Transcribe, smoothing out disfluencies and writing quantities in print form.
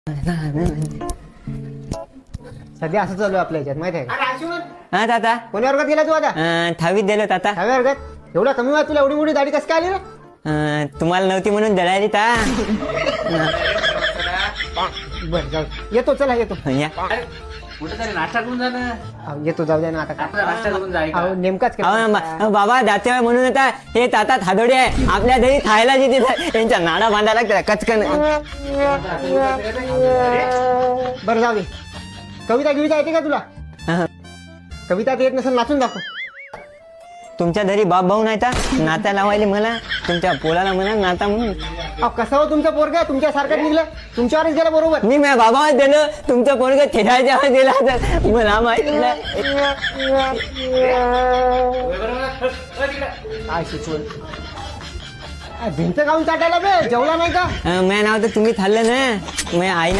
सध्या असं चालू आहे आपल्या याच्यात माहिती आहे का? हा ताता कोण्या वर्गात गेला तू आता? 10वीत दिलो ताता. 10व्या वर्गात? एवढा कमी वयात तुला एवढी मोठी दाढी कसं काय आली रे? तुम्हाला नव्हती म्हणून दळाली ता. बरं जाऊ येतो, चला येतो. या. कुठे तरी नाश्ता करून जा ना. येतो, जाऊ द्या ना आता काय. नाश्ता करून जा. अहो, नेमकाच बाबा जाते म्हणून आता हे ताता थादोडे आहे आपल्या घरी खायला जिथे यांच्या नाडा बांधायला लागतात कचकन. बरं जाऊ दे. कविता येते का तुला? हा. कविता येत नसेल नाचून दाखव. तुमच्या घरी बाप भाऊ नाही का नाता लावायला मला तुमच्या पोलाला म्हणा नाता म्हणून. अहो कसं हो तुमचं पोरग तुमच्या सारखं निघलं, तुमच्यावरच गेलं बरोबर. मी माझ्या बाबावर दिलं तुमचं पोरग खेळायच्या दिला तर मला माहिती नाही. काय शिकवण भिंत गाऊन चाटायला बे, जेवला नाही का? माझं नाव तर तुम्ही खाल्लं ना माझ्या आई